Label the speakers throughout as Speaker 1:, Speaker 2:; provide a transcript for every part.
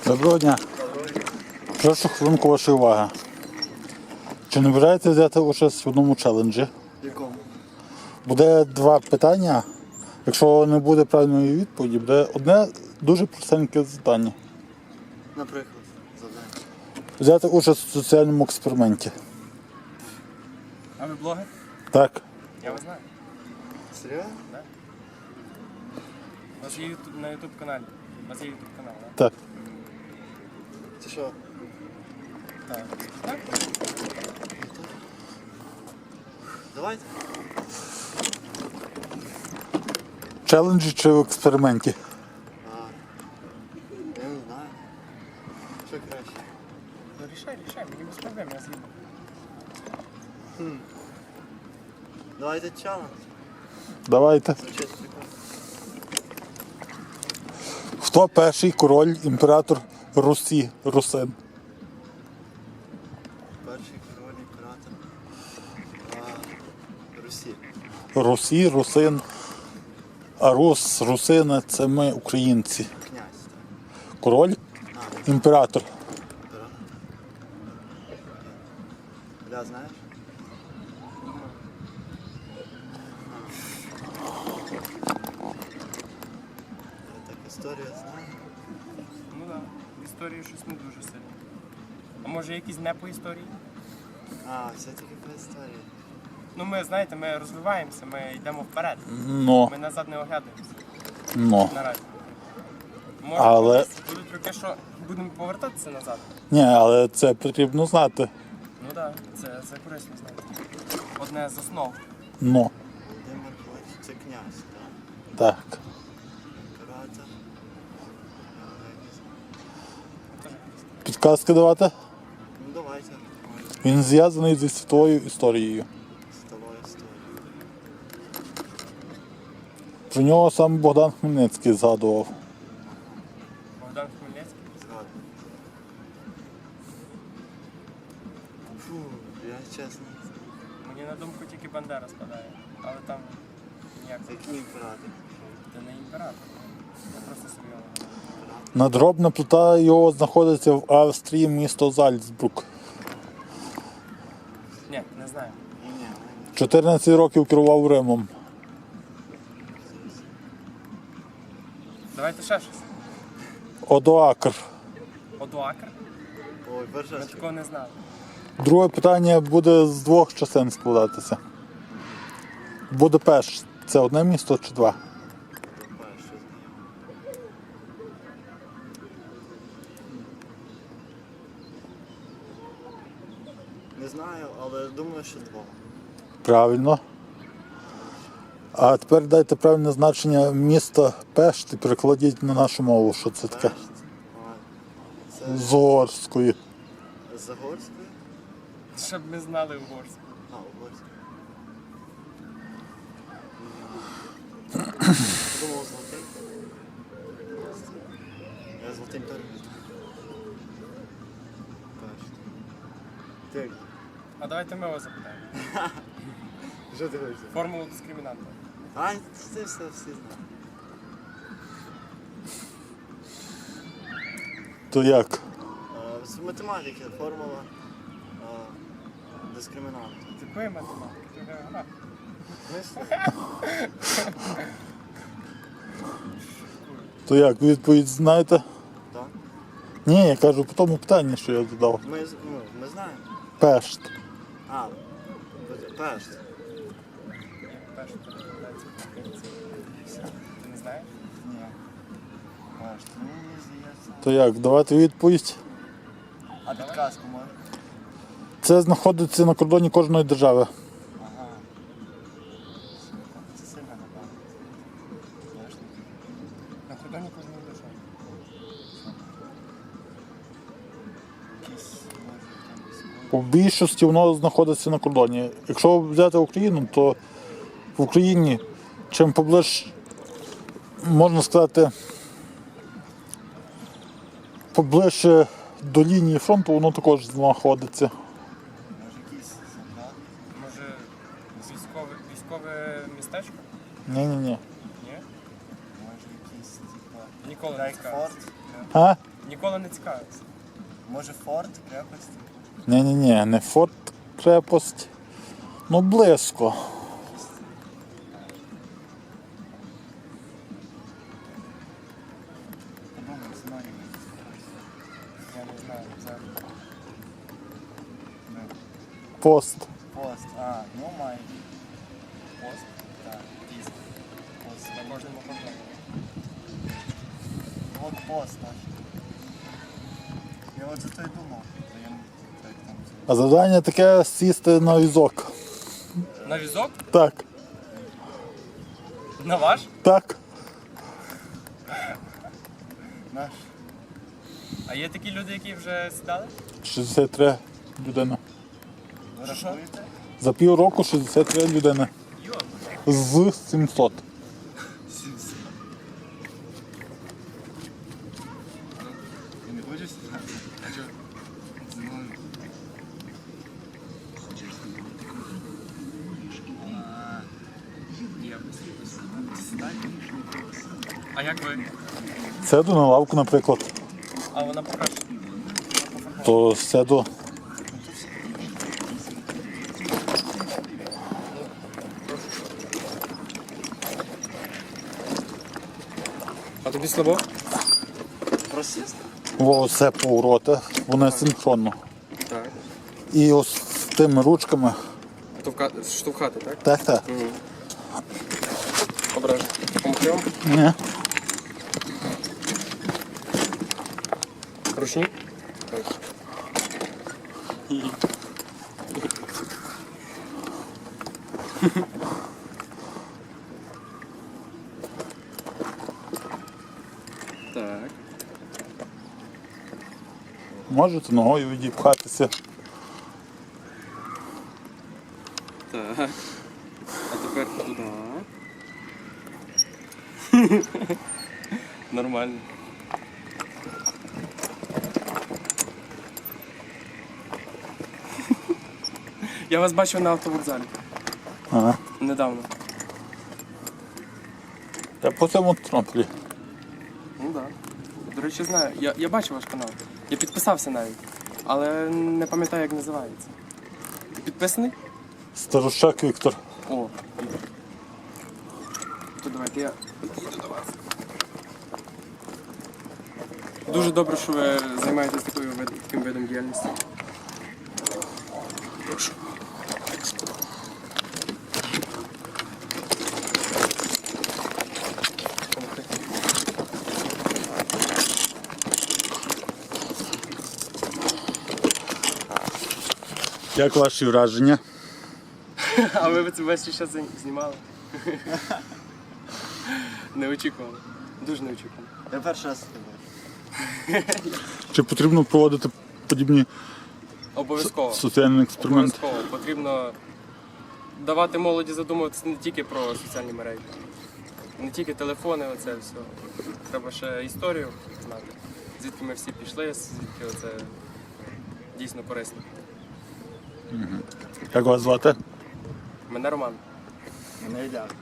Speaker 1: Доброго дня. Прошу хвилинку вашої уваги. Чи не бажаєте взяти участь в одному челенджі?
Speaker 2: Якому?
Speaker 1: Буде два питання. Якщо не буде правильної відповіді, буде одне дуже простеньке завдання.
Speaker 2: Наприклад, завдання.
Speaker 1: Взяти участь в соціальному експерименті.
Speaker 3: А ви блогер?
Speaker 1: Так.
Speaker 3: Я вас знаю.
Speaker 2: Серйозно?
Speaker 3: У вас є на YouTube каналі. У вас є YouTube канал, так?
Speaker 1: Так.
Speaker 2: Це що?
Speaker 3: Так. Так?
Speaker 2: Давайте.
Speaker 1: Челенджі чи в експерименті?
Speaker 2: Я не знаю. Що краще?
Speaker 3: Ну рішай, мені без проблем, я згідно.
Speaker 2: Давайте челендж.
Speaker 1: Давайте.
Speaker 2: Звучить прикольно.
Speaker 1: Хто перший король, імператор Русі, Русин?
Speaker 2: Перший король імператор Русі.
Speaker 1: Русі, Русин. А Рус, Русини – це ми, українці.
Speaker 2: Князь, так.
Speaker 1: Король, імператор.
Speaker 2: Імператор. Бля, знаєш? Я так історію знаю.
Speaker 3: Ну так. В історії щось не дуже сильно. А може якісь не по історії?
Speaker 2: Все-таки по історії.
Speaker 3: Ну ми, знаєте, ми розвиваємося, ми йдемо вперед.
Speaker 1: Но,
Speaker 3: Ми назад не оглядаємося
Speaker 1: но.
Speaker 3: наразі. Може,
Speaker 1: Але-
Speaker 3: колись будуть роки, що будемо повертатися назад.
Speaker 1: Ні, але це потрібно знати.
Speaker 3: Ну так, це корисно знати. Одне з основ.
Speaker 1: Но.
Speaker 2: Володимир Ходь, це князь, так?
Speaker 1: Так.
Speaker 2: Імператор.
Speaker 1: Підказки давати?
Speaker 2: Ну давайте.
Speaker 1: Він зв'язаний зі світовою історією.
Speaker 2: Сталою історією.
Speaker 1: Про нього сам Богдан Хмельницький згадував.
Speaker 3: Богдан Хмельницький.
Speaker 2: Згадую. Фу, я чесно.
Speaker 3: Мені на думку тільки Бандера спадає. Але там ніяк
Speaker 2: Це який імператор?
Speaker 3: це не імператор. Я просто серйозно.
Speaker 1: Надгробна плита його знаходиться в Австрії, місто Зальцбрук.
Speaker 3: Ні, не знаю.
Speaker 2: Ні,
Speaker 1: 14 років керував Римом.
Speaker 3: Давайте ще щось.
Speaker 1: Одоакр.
Speaker 3: Одоакр?
Speaker 2: Ой,
Speaker 3: Ми
Speaker 2: перша
Speaker 3: такого не знали.
Speaker 1: Друге питання буде з двох частин складатися. Будапешт – це одне місто чи два?
Speaker 2: перша. Не знаю, але думаю, що два.
Speaker 1: Правильно. А тепер дайте правильне значення міста Пешт і перекладіть на нашу мову, що це таке.
Speaker 2: Пешт. Це
Speaker 1: З угорської.
Speaker 2: з Загорської?
Speaker 3: Щоб ми знали угорську.
Speaker 2: Угорської. Думав золотий. Я золотим теж не знаю. Пешт. Ти,
Speaker 3: А давайте ми вас запитаємо.
Speaker 2: що ти хочеш?
Speaker 3: Формулу дискримінанта.
Speaker 2: Це все всі знають.
Speaker 1: То як?
Speaker 2: З математики формула дискримінанту.
Speaker 3: З якої математики? Ти географ.
Speaker 1: То як? Відповідь знаєте?
Speaker 2: Так?
Speaker 1: Ні, я кажу по тому питанні, що я задав.
Speaker 2: Ми знаємо.
Speaker 1: Пешт.
Speaker 2: Пешт.
Speaker 3: Перше перекладається по-українськи. Ти не знаєш?
Speaker 2: Ні. Пешт. Мені здається.
Speaker 1: То як? Давати відповідь.
Speaker 2: А підказку може?
Speaker 1: Це знаходиться на кордоні кожної держави.
Speaker 2: Ага. Це сильно напевно. Ясно.
Speaker 3: На кордоні кожної держави.
Speaker 2: Якісь може там військові.
Speaker 1: У більшості воно знаходиться на кордоні. Якщо взяти Україну, то в Україні чим поближче, можна сказати, поближче до лінії фронту, воно також знаходиться.
Speaker 2: Може якісь солдати?
Speaker 3: Може військове містечко?
Speaker 1: Ні-ні-ні.
Speaker 3: Ні?
Speaker 2: Може якісь типа.
Speaker 3: Ніколи не скажу.
Speaker 2: Рейкфорд?
Speaker 1: А?
Speaker 3: Ніколи не цікавився.
Speaker 2: Може форт, крепость?
Speaker 1: Ні, не форт, крепость. Ну, близько.
Speaker 2: Подумай, знаю.
Speaker 3: Я не знаю. Це...
Speaker 1: Пост.
Speaker 2: Пост, ну май. Пост? Так, тиск. Пост.
Speaker 3: На кожному кордоні.
Speaker 2: Вот пост наш. Я от за то й думав. Та я як там.
Speaker 1: А завдання таке сісти на візок.
Speaker 3: На візок?
Speaker 1: Так,
Speaker 3: На ваш?
Speaker 1: так.
Speaker 2: Наш.
Speaker 3: А є такі люди, які вже сідали?
Speaker 1: 63 людини.
Speaker 2: Ви
Speaker 3: Що?
Speaker 2: рахуєте?
Speaker 1: За півроку 63 людини.
Speaker 3: Йо.
Speaker 1: З 700.
Speaker 2: Ти не хочеш сідати? А чого? Зі мною. Сідай.
Speaker 3: А як ви?
Speaker 1: Сяду на лавку, наприклад.
Speaker 3: А вона покраще.
Speaker 1: То сяду.
Speaker 3: А тобі слабо?
Speaker 2: Просіст?
Speaker 1: Оце повороти, вони синхронно.
Speaker 3: Так.
Speaker 1: І ось з тими ручками.
Speaker 3: Штовхати, так?
Speaker 1: Так.
Speaker 3: Ображу. Помогти вам?
Speaker 1: Ні.
Speaker 3: Ручні? Так. Так.
Speaker 1: Можете ногою відіпхатися.
Speaker 3: Так. А тепер туди. Нормально. Я вас бачив на автовокзалі.
Speaker 1: Ага.
Speaker 3: Недавно.
Speaker 1: Я по цьому трамплі.
Speaker 3: Ну так. Да. До речі, знаю. Я бачив ваш канал. Я підписався навіть. Але не пам'ятаю, як називається. Ти підписаний?
Speaker 1: Старощак Віктор.
Speaker 3: О. То давайте я підійду до вас. Дуже добре, що ви займаєтесь таким видом діяльності. Прошу.
Speaker 1: Як ваші враження?
Speaker 3: А ви це весь час знімали? Не очікували. Дуже не очікували.
Speaker 2: Я перший раз тебе.
Speaker 1: Чи потрібно проводити подібні
Speaker 3: Обов'язково.
Speaker 1: соціальні експерименти?
Speaker 3: Обов'язково. Потрібно давати молоді задумуватися не тільки про соціальні мережі, не тільки телефони, оце все. Треба ще історію знати. Звідки ми всі пішли, звідки оце дійсно корисно.
Speaker 1: Як вас звати?
Speaker 3: Мене Роман.
Speaker 2: Мене йдять.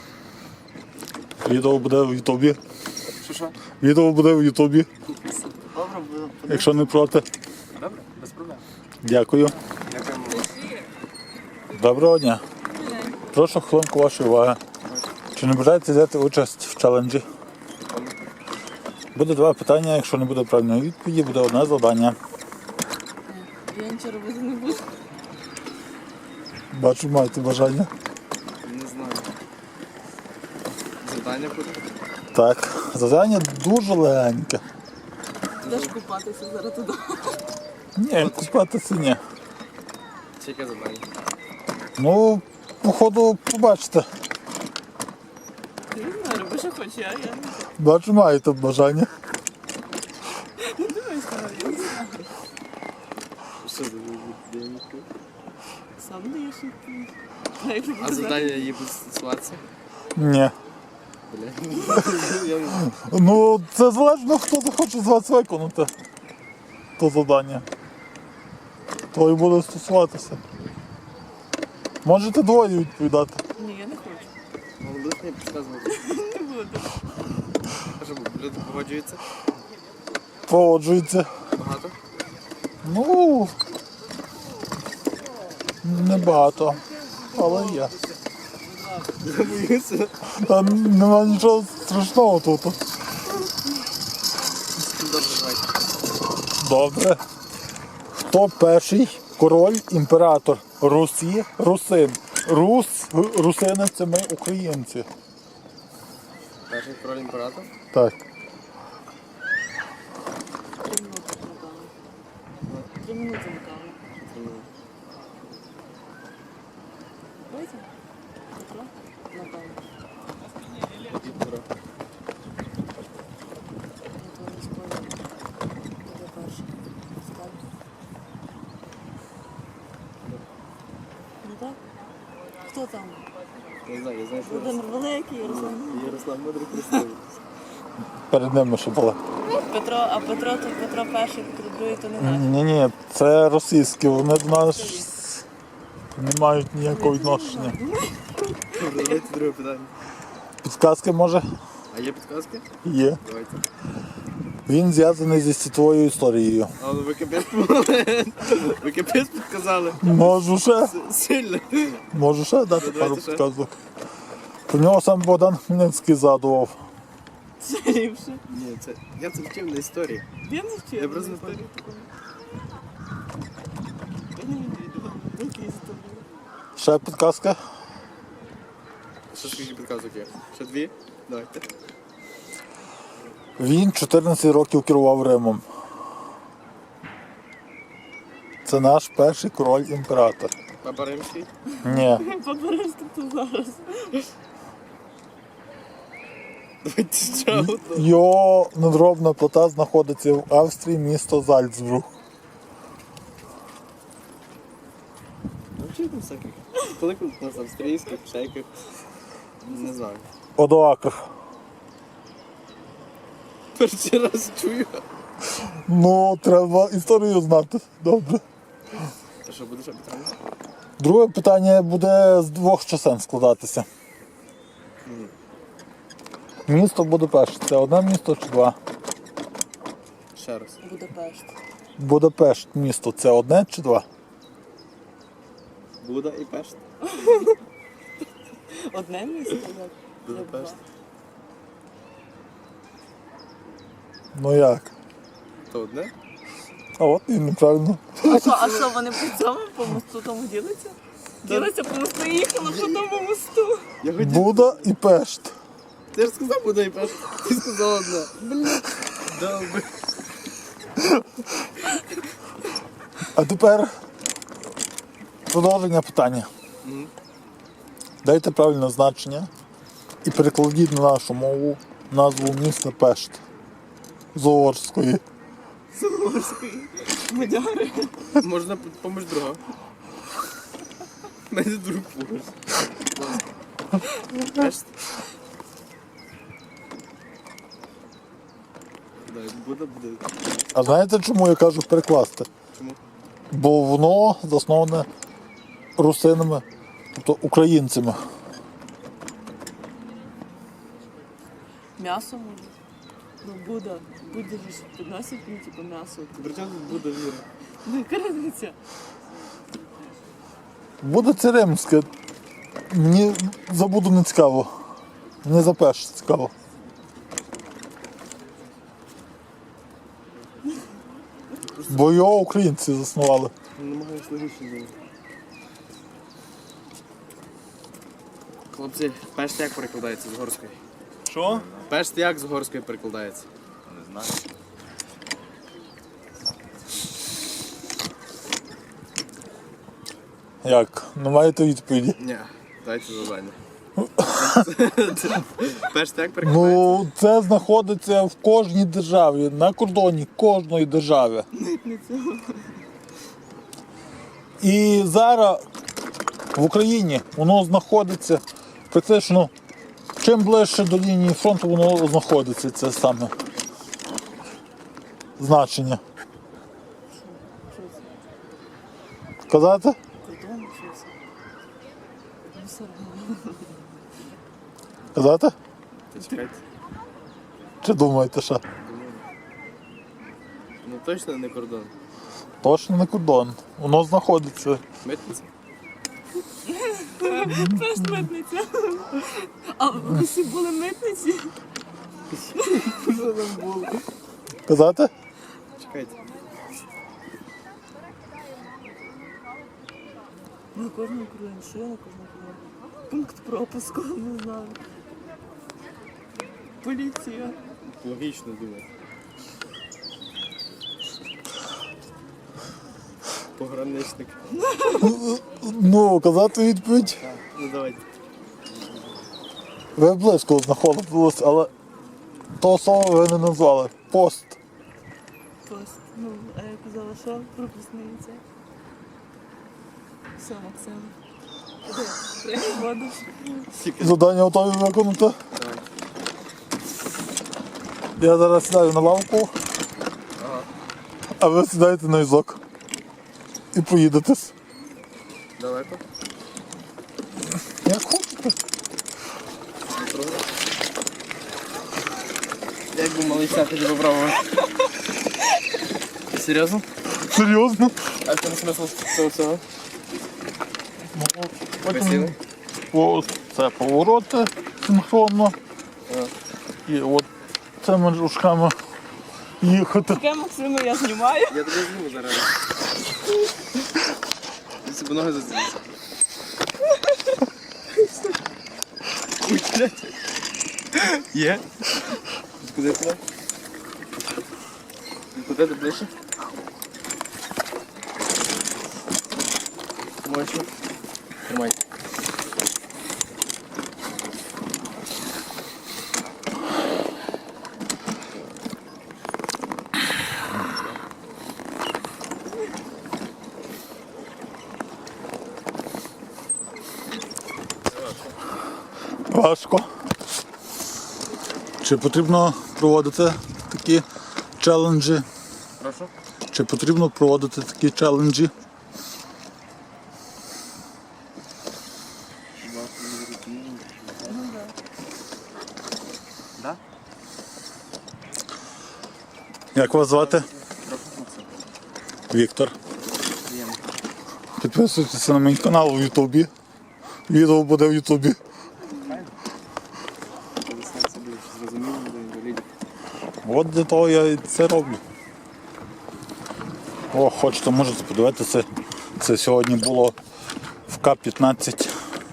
Speaker 1: Відео буде в Ютубі.
Speaker 3: Що?
Speaker 1: Відео буде в Ютубі,
Speaker 2: Добре, буду
Speaker 1: якщо не проти.
Speaker 3: Добре? Без проблем.
Speaker 1: Дякую.
Speaker 3: Дякуємо.
Speaker 1: Доброго дня. Прошу хвилинку вашої уваги. Чи не бажаєте взяти участь в челенджі? Буде два питання, якщо не буде правильної відповіді, буде одне завдання.
Speaker 4: Я нічого робити не буду.
Speaker 1: Бачу, маєте бажання.
Speaker 3: Не знаю. Завдання буде?
Speaker 1: Так, завдання дуже легеньке.
Speaker 4: Підеш купатися зараз туди.
Speaker 1: Ні, купатися ні.
Speaker 3: Чи яке завдання?
Speaker 1: Ну, походу, побачите.
Speaker 4: Я не знаю, роби, що хочеш, я не
Speaker 1: Бачу, маєте бажання.
Speaker 4: думаю, що я не знаю.
Speaker 3: Що за завдання?
Speaker 4: Сам даєш відповідь. А як
Speaker 3: А завдання її буде стосуватися?
Speaker 1: Ні.
Speaker 3: Бля. Я не знаю.
Speaker 1: Ну, це залежно, хто захоче з вас виконати то завдання. То і буде стосуватися. Можете двоє відповідати.
Speaker 4: Ні, я не хочу.
Speaker 3: Вам будуть мені підказувати?
Speaker 4: Не буду.
Speaker 3: А що, люди погоджуються?
Speaker 1: Погоджується.
Speaker 3: Багато?
Speaker 1: Ну, небагато, але є.
Speaker 2: Я боюся.
Speaker 1: Та нема нічого страшного тут.
Speaker 3: Добре, давайте.
Speaker 1: Добре. Хто перший король, імператор Русі, русин? Русини це ми українці.
Speaker 3: Перший король імператор.
Speaker 1: Так.
Speaker 4: 3 минути, напевно. 3 минути, напевно. Давайте. Петро? Напевно.
Speaker 3: Петро.
Speaker 4: Я то не спорю. Буде перший. Скажу. Ну так? Хто там?
Speaker 3: Не знаю, я знаю, що
Speaker 4: Володимир Великий, Ярослав.
Speaker 3: Ярослав Мудрий Христовий.
Speaker 1: Перед ними ще була.
Speaker 4: Петро, а Петро то Петро перший, Петро другий, то не наш.
Speaker 1: Ні, це російські, вони до нас не мають ніякого відношення.
Speaker 2: Добре, давайте друге питання.
Speaker 1: Підказки може?
Speaker 2: А є підказки?
Speaker 1: Є.
Speaker 2: Давайте.
Speaker 1: Він зв'язаний зі світовою історією.
Speaker 2: А ну ви капець помогли. Ви капець підказали.
Speaker 1: Можу ще?
Speaker 2: Сильно.
Speaker 1: Можу ще дати
Speaker 2: Давайте
Speaker 1: пару
Speaker 2: ще.
Speaker 1: підказок. Про нього сам Богдан Хмельницький згадував.
Speaker 4: Це ліпше.
Speaker 2: Ні, це я це вчив на історії.
Speaker 4: Я не вчив.
Speaker 2: Я просто не пам'ятаю.
Speaker 1: Ще підказка?
Speaker 2: Що скільки підказок є? Ще дві? Давайте.
Speaker 1: Він 14 років керував Римом. Це наш перший король-імператор.
Speaker 2: Папа Римський.
Speaker 1: Ні.
Speaker 4: Побережте то зараз.
Speaker 2: Давайте ще одну.
Speaker 1: Його надгробна плита знаходиться в Австрії, місто Зальцбург.
Speaker 2: Навчити всяких. Коли у нас австрійських, всяких. Не знаю.
Speaker 1: Одоакр.
Speaker 2: Перший раз чую.
Speaker 1: Ну, треба історію знати. Добре.
Speaker 2: А що, буде ще питання?
Speaker 1: Друге питання буде з двох частин складатися. Місто Будапешт. Це одне місто чи два?
Speaker 2: Ще раз.
Speaker 4: Будапешт.
Speaker 1: Будапешт місто. Це одне чи два?
Speaker 2: Буда і Пешт.
Speaker 4: Одне місто? як?
Speaker 2: Будапешт.
Speaker 1: Ну як?
Speaker 2: То одне?
Speaker 1: А от і неправильно.
Speaker 4: А що, вони по цьому по мосту тому ділиться? Ділиться по мосту і їхали по тому мосту.
Speaker 2: Я хотів.
Speaker 1: Буда і Пешт.
Speaker 2: Ти ж сказав Буда і Пешт. Ти сказав одне. Блін. Добре.
Speaker 1: А тепер продовження питання. Дайте правильне значення і перекладіть на нашу мову назву міста Пешт з угорської.
Speaker 4: Мадяри.
Speaker 2: Можна поміж друга. У мене друг поруч. Пешт. Дай, буде.
Speaker 1: А знаєте, чому я кажу перекласти?
Speaker 2: Чому?
Speaker 1: Бо воно засноване русинами, тобто українцями.
Speaker 4: М'ясо може. Ну, Буда. Будда ж підносять, ну, типу, м'ясо.
Speaker 2: При чому тут Буда віра?
Speaker 4: Ну, яка різниця?
Speaker 1: Буде це римське. Мені за Буду не цікаво. Мені за Пешт цікаво. Бо його українці заснували.
Speaker 2: Намагаюсь логічно думати. Хлопці, Пешт як перекладається з горської?
Speaker 1: Що?
Speaker 2: Пешт як з горської перекладається?
Speaker 5: Не знаю.
Speaker 1: Як? Не маєте відповіді?
Speaker 2: Ні, дайте завдання. Пешт як перекладається?
Speaker 1: Ну, це знаходиться в кожній державі, на кордоні кожної держави. І зараз в Україні воно знаходиться практично, чим ближче до лінії фронту воно знаходиться, це саме значення.
Speaker 4: Що це?
Speaker 1: Казати?
Speaker 4: Кордон, що це? Ну, все одно.
Speaker 1: Казати?
Speaker 2: Та чекайте.
Speaker 1: Чи думаєте ще?
Speaker 3: точно не кордон.
Speaker 1: Точно не кордон. Воно знаходиться.
Speaker 3: Митниця?
Speaker 4: Теж митниця. А ви всі були митниці?
Speaker 1: Казати?
Speaker 3: Чекайте.
Speaker 4: На кожному кордоні, що я на кожному кордоні? Пункт пропуску, не знаю. Поліція.
Speaker 3: Логічно думаю. Пограничник.
Speaker 1: Ну, казати відповідь.
Speaker 3: Ну давайте.
Speaker 1: Ви близько знаходились, але того слова ви не назвали. Пост.
Speaker 4: Пост. Ну, а я казала, що пропускниця. Все, Максим. Іди, прийми воду.
Speaker 1: Завдання готові виконати. Я зараз сідаю на лавку, а ви сідаєте на візок. І поїдетесь.
Speaker 3: Далеко?
Speaker 1: Як хочете.
Speaker 3: Як би малий тоді попробувати? Серйозно?
Speaker 1: Серйозно?
Speaker 3: А в чому смисл цього всього?
Speaker 1: Ну,
Speaker 3: Посіли?
Speaker 1: Це повороти синхронно. І от цими рушками їхати.
Speaker 4: Таке, Максиму, я знімаю.
Speaker 3: Я тебе зніму зараз. Ти себе ноги зацілися. Ой, блядь. Є? Куди туди? Куди ти ближче? Мочу. Тримай.
Speaker 1: Важко. Чи потрібно проводити такі челенджі?
Speaker 3: Прошу.
Speaker 1: Чи потрібно проводити такі челенджі?
Speaker 3: Да?
Speaker 1: Як вас звати? Віктор. Підписуйтеся на мій канал в Ютубі. Відео буде в Ютубі. От для того я і це роблю. О, хочете, можете подивитися. Це сьогодні було в К-15.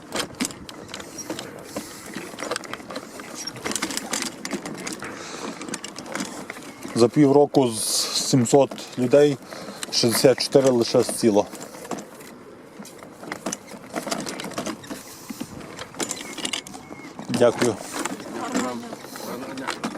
Speaker 1: За півроку з 700 людей 64 лише сіло. Дякую.
Speaker 3: Гарного дня.